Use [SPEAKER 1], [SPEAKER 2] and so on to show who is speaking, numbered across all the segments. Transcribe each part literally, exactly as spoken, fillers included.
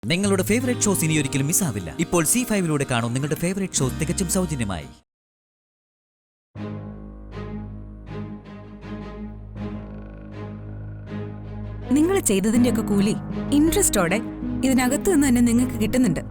[SPEAKER 1] നിങ്ങളുടെ favourite shows ഇനി ഒരിക്കലും മിസ്സാവില്ല. ഇപ്പോൾ സി ഫൈവിലൂടെ കാണും നിങ്ങളുടെ ഫേവറേറ്റ് ഷോസ് തികച്ചും സൗജന്യമായി.
[SPEAKER 2] നിങ്ങൾ ചെയ്തതിന്റെയൊക്കെ കൂലി ഇൻട്രസ്റ്റോടെ ഇതിനകത്ത് നിന്ന് തന്നെ നിങ്ങൾക്ക് കിട്ടുന്നുണ്ട്.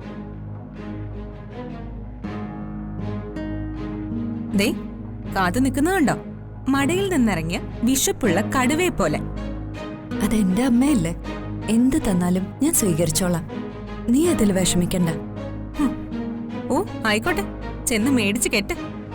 [SPEAKER 2] ദേ കാത്തു നിൽക്കുന്നതുണ്ടോ? മടയിൽ നിന്നിറങ്ങിയ വിശപ്പുള്ള കടുവയെ പോലെ.
[SPEAKER 3] അതെന്റെ അമ്മയല്ലേ, എന്ത് തന്നാലും ഞാൻ സ്വീകരിച്ചോളാം. നീ അതിൽ വിഷമിക്കണ്ട.
[SPEAKER 2] ഓ ആയിക്കോട്ടെ, ചെന്ന് മേടിച്ച് കെട്ട്.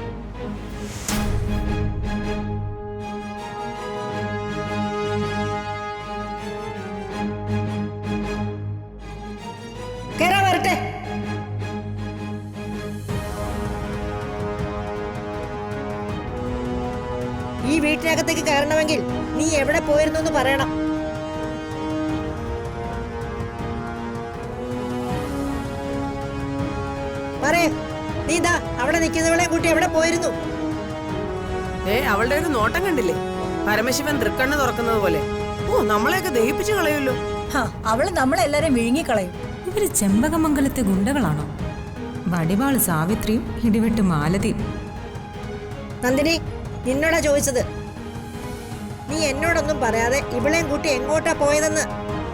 [SPEAKER 4] ഈ വീട്ടിനകത്തേക്ക് കയറണമെങ്കിൽ നീ എവിടെ പോയിരുന്നു എന്ന് പറയണം. പറയേ, നീ ദാ അവിടെ നിൽക്കുന്നവളെ കൂട്ടി എവിടെ പോയിരുന്നു?
[SPEAKER 5] ഏ അവളുടെ ഒരു നോട്ടം കണ്ടില്ലേ? പരമശിവൻ തൃക്കണ്ണ് തുറക്കുന്നത് പോലെ. ഓ, നമ്മളെയൊക്കെ ദഹിപ്പിച്ചു കളയുമല്ലോ.
[SPEAKER 6] അവള് നമ്മളെല്ലാരും വിഴുങ്ങിക്കളയും.
[SPEAKER 2] ഇവര് ചെമ്പകമംഗലത്തെ ഗുണ്ടകളാണോ? വടിവാള് സാവിത്രിയും ഇടിവെട്ട് മാലതിയും.
[SPEAKER 4] നന്ദിനി, നിന്നോടാ ചോദിച്ചത്. നീ എന്നോടൊന്നും പറയാതെ ഇവളെയും കൂട്ടി എങ്ങോട്ടാ പോയതെന്ന്.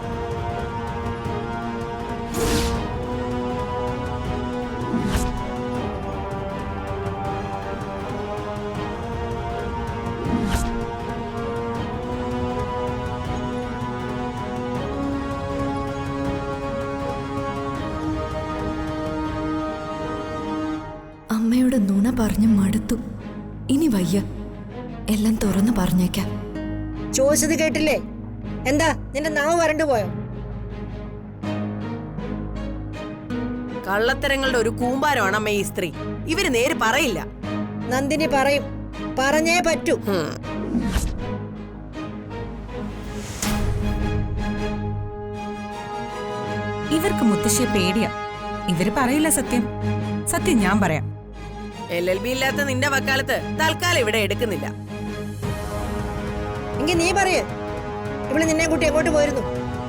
[SPEAKER 3] അമ്മയോട് നുണ പറഞ്ഞു മടുത്തു. ഇനി വയ്യ, എല്ലാം തുറന്നു പറഞ്ഞേക്കാം.
[SPEAKER 4] ചോദിച്ചത് കേട്ടില്ലേ? എന്താ നിന്റെ നാവ് വരണ്ടു പോയോ?
[SPEAKER 5] കള്ളത്തരങ്ങളുടെ ഒരു കൂമ്പാരമാണ് അമ്മ ഈ സ്ത്രീ. ഇവര് നേര് പറയില്ല.
[SPEAKER 4] നന്ദിനി പറയും, പറഞ്ഞേ പറ്റൂ.
[SPEAKER 2] ഇവർക്ക് മുത്തശ്ശിയെ പേടിയാ. ഇവര് പറയില്ല സത്യം. സത്യം ഞാൻ പറയാം.
[SPEAKER 5] എൽ എൽ ബി ഇല്ലാത്ത നിന്റെ വക്കാലത്ത് തൽക്കാലം ഇവിടെ എടുക്കുന്നില്ല.
[SPEAKER 4] എങ്കിൽ നീ പറയേ, ഇവള് നിന്നെ കൂട്ടി എങ്ങോട്ട് പോയിരുന്നു?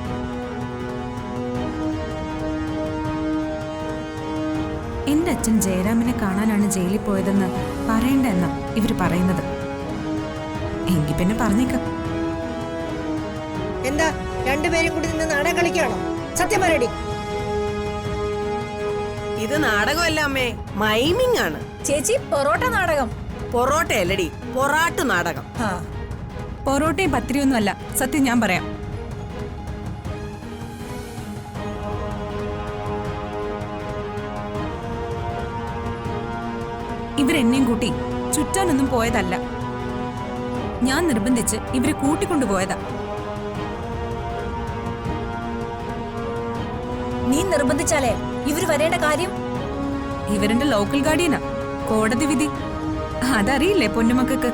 [SPEAKER 2] എന്റെ അച്ഛൻ ജയരാമിനെ കാണാനാണ് ജയിലിൽ പോയതെന്ന് പറയണ്ട എന്നാ ഇവര് പറയുന്നത്. എങ്കിൽ പിന്നെ പറഞ്ഞേക്കാം.
[SPEAKER 4] എന്താ രണ്ടുപേരും കൂടി നിന്ന് നാടകം കളിക്കുകയാണോ? സത്യം പറയടി.
[SPEAKER 5] ഇത് നാടകമല്ല അമ്മേ, മൈമിങ് ആണ്.
[SPEAKER 6] ചേച്ചി, പൊറോട്ട നാടകം.
[SPEAKER 5] പൊറോട്ട അല്ലടി, പൊറാട്ടു നാടകം.
[SPEAKER 2] പൊറോട്ടയും പത്തിരിയൊന്നും അല്ല, സത്യം ഞാൻ പറയാം. ഇവരെന്നെയും കൂട്ടി ചുറ്റാനൊന്നും പോയതല്ല. ഞാൻ നിർബന്ധിച്ച് ഇവരെ കൂട്ടിക്കൊണ്ടുപോയതാ.
[SPEAKER 6] നീ നിർബന്ധിച്ചാലേ ഇവര് വരേണ്ട കാര്യം?
[SPEAKER 2] ഇവരുടെ ലോക്കൽ ഗാർഡിയനാ, കോടതി വിധി അതറിയില്ലേ പൊന്നുമക്കൾക്ക്?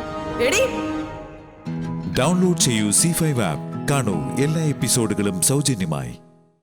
[SPEAKER 7] ഡൗൺലോഡ് ചെയ്യൂ സി ഫൈവ് ആപ്പ്. കാണൂ എല്ലാ എപ്പിസോഡുകളും സൗജന്യമായി.